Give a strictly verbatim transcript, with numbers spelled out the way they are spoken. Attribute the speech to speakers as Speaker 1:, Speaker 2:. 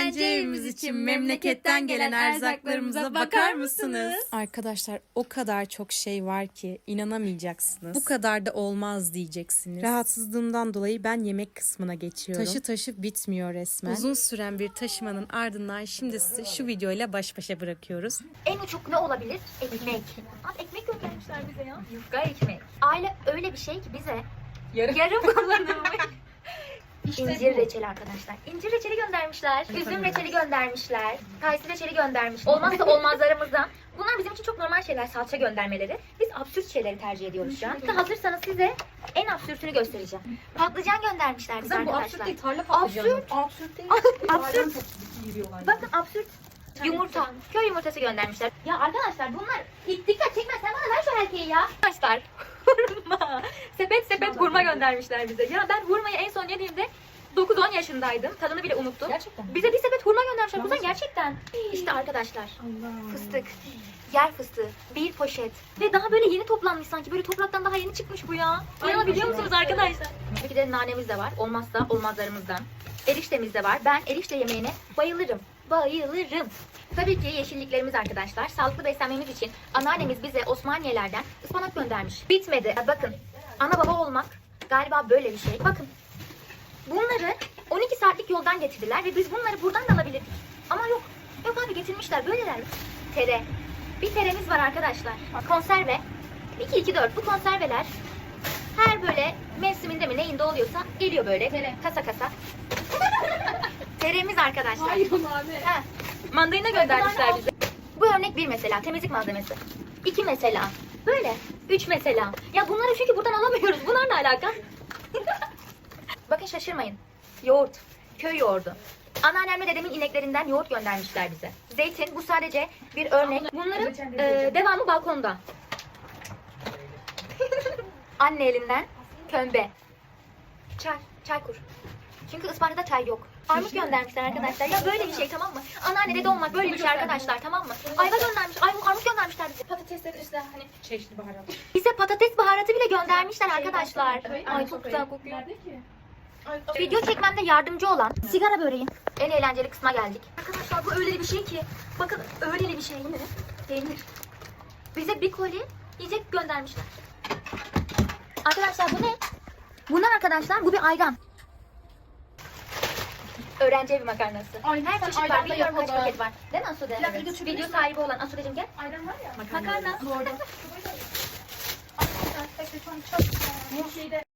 Speaker 1: öğrenci evimiz için memleketten gelen erzaklarımıza bakar mısınız?
Speaker 2: Arkadaşlar o kadar çok şey var ki inanamayacaksınız. Bu kadar da olmaz diyeceksiniz. Rahatsızlığımdan dolayı ben yemek kısmına geçiyorum. Taşı taşı bitmiyor resmen. Uzun süren bir taşımanın ardından şimdi sizi şu videoyla baş başa bırakıyoruz.
Speaker 3: En uçuk ne olabilir? Ekmek. Abi ekmek göndermişler bize ya. Yufka ekmek. Aile öyle bir şey ki bize yarım, yarım kullanılmış. İşte İncir reçeli arkadaşlar. İncir reçeli göndermişler. Üzüm reçeli göndermişler. Kayısı reçeli göndermiş. Olmazsa olmazlarımızdan. Bunlar bizim için çok normal şeyler. Salça göndermeleri. Biz absürt şeyleri tercih ediyoruz şu an. Hazırsanız size en absürtünü göstereceğim. Patlıcan göndermişler bize arkadaşlar.
Speaker 1: Absürt değil, tarla patlıcanı.
Speaker 3: Absürt.
Speaker 1: Absürt değil.
Speaker 3: Absürt. Bakın absürt. Yumurta. Köy yumurtası göndermişler. Ya arkadaşlar bunlar dikkat çekme, sen bana ver şu erkeği ya. Arkadaşlar hurma. Sepet sepet hurma göndermişler bize. Ya ben hurmayı en son yediğimde dokuz on yaşındaydım. Tadını bile unuttum.
Speaker 1: Gerçekten.
Speaker 3: Bize bir sepet hurma göndermişler. Kuzen gerçekten. İşte arkadaşlar. Fıstık. Yer fıstığı. Bir poşet. Ve daha böyle yeni toplanmış sanki. Böyle topraktan daha yeni çıkmış bu ya. İnanabiliyor musunuz arkadaşlar? Tabii ki de nanemiz de var. Olmazsa olmazlarımızdan. Eriştemiz de var. Ben erişte yemeğine bayılırım. Bayılırım. Tabii ki yeşilliklerimiz arkadaşlar. Sağlıklı beslenmemiz için anneannemiz bize Osmaniyelerden ıspanak göndermiş. Bitmedi. Bakın. Ana baba olmak galiba böyle bir şey. Bakın. Bunları on iki saatlik yoldan getirdiler ve biz bunları buradan da alabilirdik. Ama yok. Yok abi getirmişler. Böyleler. Tere. Bir teremiz var arkadaşlar. Konserve. iki iki dört bu konserveler her böyle mevsiminde mi neyinde oluyorsa geliyor böyle. Tere. Kasa kasa. Teremiz arkadaşlar.
Speaker 1: Hayır abi.
Speaker 3: Ha, mandalina göndermişler bize. Bu örnek bir mesela. Temizlik malzemesi. İki mesela. Böyle. Üç mesela. Ya bunları çünkü buradan alamıyoruz. Bunlar ne alaka? Bakın şaşırmayın. Yoğurt. Köy yoğurdu. Anneannemle dedemin ineklerinden yoğurt göndermişler bize. Zeytin. Bu sadece bir örnek. Bunların e, devamı balkonda. Anne elinden kömbe. Çay. Çay kur. Çünkü Isparta'da çay yok. Armut göndermişler arkadaşlar. Ya böyle bir şey, tamam mı? Anneanne dede olmak böyle bir şey arkadaşlar, tamam mı? Ayva göndermiş. Ay, armut göndermişler bize.
Speaker 1: Patatesler işte hani çeşitli baharat.
Speaker 3: Bize patates baharatı bile göndermişler arkadaşlar. Ay çok güzel kokuyor.
Speaker 1: Nerede ki?
Speaker 3: Video çekmemde yardımcı olan sigara böreğin en eğlenceli kısma geldik. Arkadaşlar bu öyle bir şey ki. Bakın öyle bir şey. Ne? Peynir. Bize bir koli yiyecek göndermişler. Arkadaşlar bu ne? Bunlar arkadaşlar bu bir ayran. Öğrenci evi makarnası.
Speaker 1: Ay,
Speaker 3: her
Speaker 1: sen
Speaker 3: çeşit var.
Speaker 1: ayran da
Speaker 3: Bilmiyorum kaç
Speaker 1: yapalım.
Speaker 3: paket var. Değil mi Asude?
Speaker 1: Bir dakika, video çekebilir
Speaker 3: Video
Speaker 1: misin?
Speaker 3: sahibi olan Asude'cim gel.
Speaker 1: Ayran var ya.
Speaker 3: Makarna.
Speaker 1: Doğru. Arkadaşlar, çok şeyde